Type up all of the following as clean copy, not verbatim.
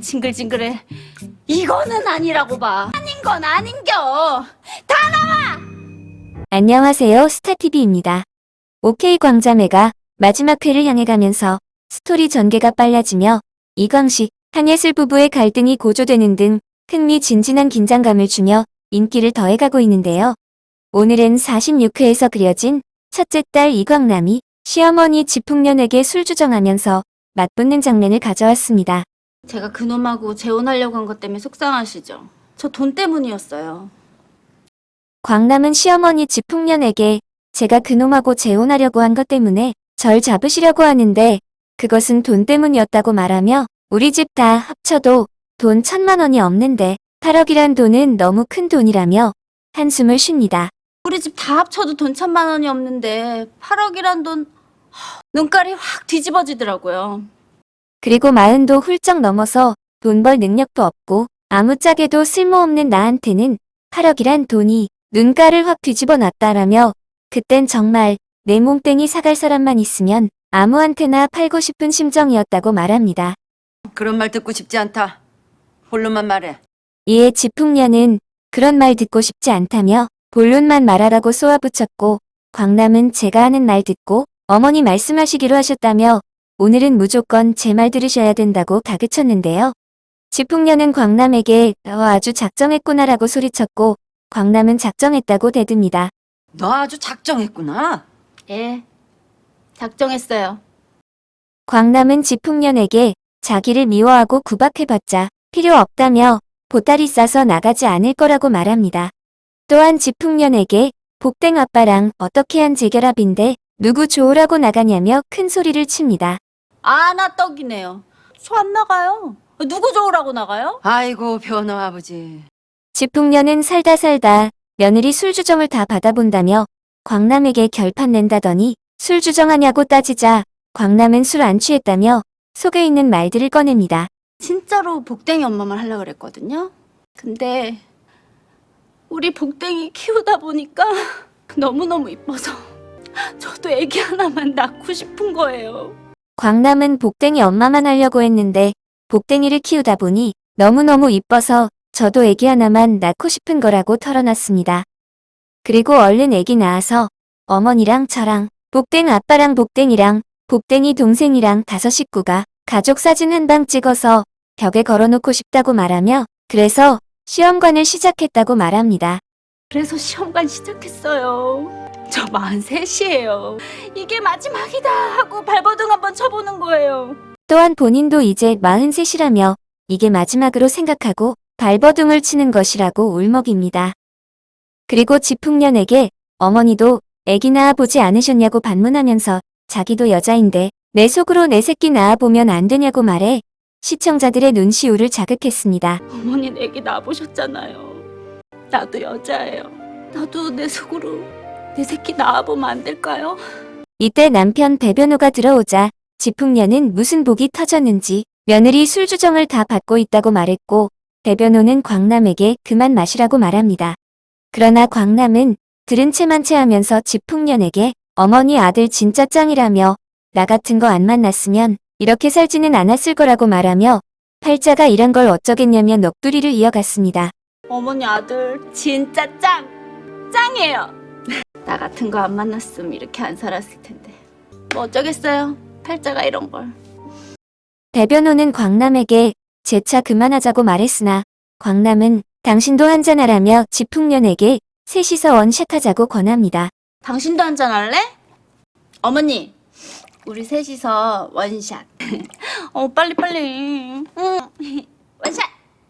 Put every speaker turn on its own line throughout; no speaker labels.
징글징글해. 이거는 아니라고 봐. 아닌 건 아닌겨. 다 나와!
안녕하세요, 스타TV입니다. OK 광자매가 마지막 회를 향해 가면서 스토리 전개가 빨라지며 이광식, 한예슬 부부의 갈등이 고조되는 등 흥미진진한 긴장감을 주며 인기를 더해가고 있는데요. 오늘은 46회에서 그려진 첫째 딸 이광남이 시어머니 지풍년에게 술 주정하면서 맞붙는 장면을 가져왔습니다.
제가 그놈하고 재혼하려고 한 것 때문에 속상하시죠? 저 돈 때문이었어요.
광남은 시어머니 지풍년에게 제가 그놈하고 재혼하려고 한 것 때문에 절 잡으시려고 하는데 그것은 돈 때문이었다고 말하며 우리 집 다 합쳐도 돈 1,000만 원이 없는데 8억이란 돈은 너무 큰 돈이라며 한숨을 쉽니다.
우리 집 다 합쳐도 돈 1,000만 원이 없는데 8억이란 돈... 눈깔이 확 뒤집어지더라고요.
그리고 40도 훌쩍 넘어서 돈 벌 능력도 없고 아무짝에도 쓸모없는 나한테는 8억이란 돈이 눈가를 확 뒤집어 놨다라며 그땐 정말 내 몸땡이 사갈 사람만 있으면 아무한테나 팔고 싶은 심정이었다고 말합니다.
그런 말 듣고 싶지 않다. 본론만 말해.
이에 지풍년은 그런 말 듣고 싶지 않다며 본론만 말하라고 쏘아붙였고 광남은 제가 하는 말 듣고 어머니 말씀하시기로 하셨다며 오늘은 무조건 제 말 들으셔야 된다고 다그쳤는데요. 지풍년은 광남에게 아주 작정했구나라고 소리쳤고 광남은 작정했다고 대듭니다.
너 아주 작정했구나.
예, 작정했어요.
광남은 지풍년에게 자기를 미워하고 구박해봤자 필요 없다며 보따리 싸서 나가지 않을 거라고 말합니다. 또한 지풍년에게 복댕 아빠랑 어떻게 한 재결합인데 누구 좋으라고 나가냐며 큰 소리를 칩니다.
나 떡이네요. 소 안 나가요. 누구 좋으라고 나가요?
아이고 변호 아버지.
지풍년은 살다 며느리 술 주정을 다 받아본다며 광남에게 결판 낸다더니 술 주정하냐고 따지자 광남은 술 안 취했다며 속에 있는 말들을 꺼냅니다.
진짜로 복댕이 엄마만 하려고 그랬거든요. 근데 우리 복댕이 키우다 보니까 너무너무 이뻐서 저도 애기 하나만 낳고 싶은 거예요.
광남은 복댕이 엄마만 하려고 했는데 복댕이를 키우다 보니 너무너무 이뻐서 저도 애기 하나만 낳고 싶은 거라고 털어놨습니다. 그리고 얼른 애기 낳아서 어머니랑 저랑 복댕 아빠랑 복댕이랑 복댕이 동생이랑 5 식구가 가족 사진 한 방 찍어서 벽에 걸어놓고 싶다고 말하며 그래서 시험관을 시작했다고 말합니다.
그래서 시험관 시작했어요. 저 43이에요. 이게 마지막이다 하고 발버둥 한번 쳐보는 거예요.
또한 본인도 이제 43이라며 이게 마지막으로 생각하고 발버둥을 치는 것이라고 울먹입니다. 그리고 지풍년에게 어머니도 애기 낳아보지 않으셨냐고 반문하면서 자기도 여자인데 내 속으로 내 새끼 낳아보면 안 되냐고 말해 시청자들의 눈시울을 자극했습니다.
어머니 애기 낳아보셨잖아요. 나도 여자예요. 나도 내 속으로 내 새끼 낳아보면 안 될까요?
이때 남편 배변호가 들어오자 지풍년은 무슨 복이 터졌는지 며느리 술 주정을 다 받고 있다고 말했고 배변호는 광남에게 그만 마시라고 말합니다. 그러나 광남은 들은 채만 채하면서 지풍년에게 어머니 아들 진짜 짱이라며 나 같은 거 안 만났으면 이렇게 살지는 않았을 거라고 말하며 팔자가 이런 걸 어쩌겠냐며 넋두리를 이어갔습니다.
어머니 아들 진짜 짱이에요. 나 같은 거 안 만났으면 이렇게 안 살았을 텐데 뭐 어쩌겠어요. 팔자가 이런 걸.
배변호는 광남에게 재차 그만하자고 말했으나 광남은 당신도 한잔하라며 지풍년에게 셋이서 원샷하자고 권합니다.
당신도 한잔 할래? 어머니 우리 셋이서 원샷. 빨리. 원샷.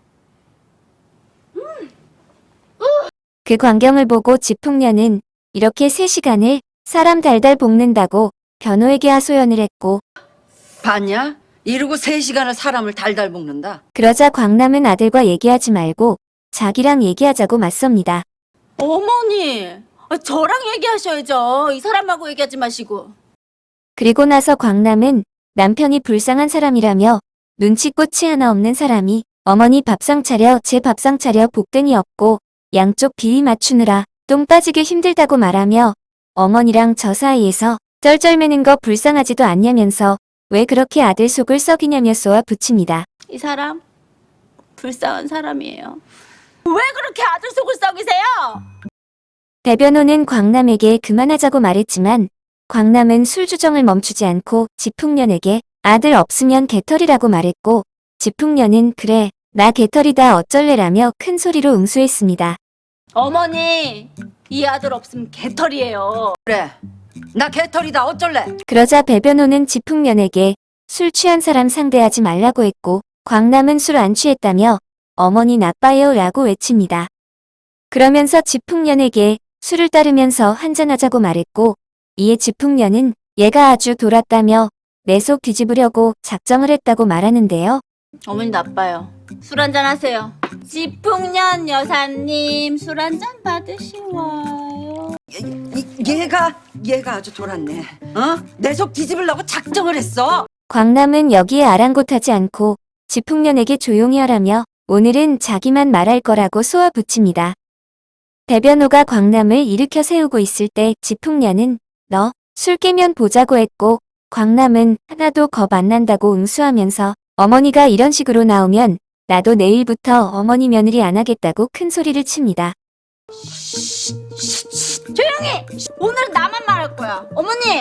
그 광경을 보고 지풍년은 이렇게 3시간을 사람 달달 볶는다고 변호에게 하소연을 했고
봤냐? 이러고 3시간을 사람을 달달 볶는다.
그러자 광남은 아들과 얘기하지 말고 자기랑 얘기하자고 맞섭니다.
어머니 저랑 얘기하셔야죠. 이 사람하고 얘기하지 마시고.
그리고 나서 광남은 남편이 불쌍한 사람이라며 눈치꽃이 하나 없는 사람이 어머니 밥상 차려 제 밥상 차려 복댕이 없고 양쪽 비위 맞추느라 똥 빠지게 힘들다고 말하며 어머니랑 저 사이에서 쩔쩔매는 거 불쌍하지도 않냐면서 왜 그렇게 아들 속을 썩이냐며 쏘아 붙입니다.
이 사람 불쌍한 사람이에요. 왜 그렇게 아들 속을 썩이세요?
대변호는 광남에게 그만하자고 말했지만 광남은 술주정을 멈추지 않고 지풍년에게 아들 없으면 개털이라고 말했고 지풍년은 그래 나 개털이다 어쩔래라며 큰 소리로 응수했습니다.
어머니, 이 아들 없으면 개털이에요.
그래. 나 개털이다 어쩔래?
그러자 배변호는 지풍년에게 술 취한 사람 상대하지 말라고 했고 광남은 술 안 취했다며 어머니 나빠요 라고 외칩니다. 그러면서 지풍년에게 술을 따르면서 한잔하자고 말했고 이에 지풍년은 얘가 아주 돌았다며 내 속 뒤집으려고 작정을 했다고 말하는데요.
어머니 나빠요. 술 한잔 하세요. 지풍년 여사님 술 한잔 받으시와요.
얘가 아주 돌았네. 어? 내 속 뒤집으려고 작정을 했어.
광남은 여기에 아랑곳하지 않고 지풍년에게 조용히 하라며 오늘은 자기만 말할 거라고 쏘아붙입니다. 대변호가 광남을 일으켜 세우고 있을 때 지풍년은 너 술 깨면 보자고 했고 광남은 하나도 겁 안 난다고 응수하면서 어머니가 이런 식으로 나오면 나도 내일부터 어머니 며느리 안 하겠다고 큰 소리를 칩니다.
조용히! 오늘은 나만 말할 거야. 어머니,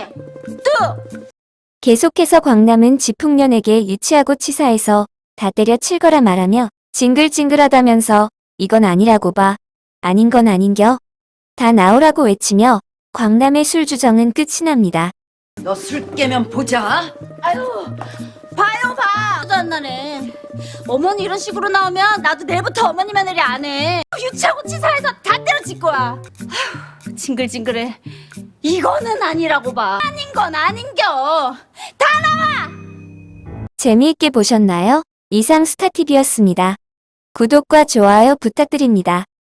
계속해서 광남은 지풍년에게 유치하고 치사해서 다 때려칠 거라 말하며 징글징글하다면서 이건 아니라고 봐. 아닌 건 아닌겨. 다 나오라고 외치며 광남의 술주정은 끝이 납니다.
너 술 깨면 보자.
아유, 봐요 봐. 도안 나네. 어머니 이런 식으로 나오면 나도 내일부터 어머니 며느리 안 해. 유치하고 치사해서 다 때려칠 거야. 아휴, 징글징글해. 이거는 아니라고 봐. 아닌 건 아닌겨.
재미있게 보셨나요? 이상 스타TV였습니다. 구독과 좋아요 부탁드립니다.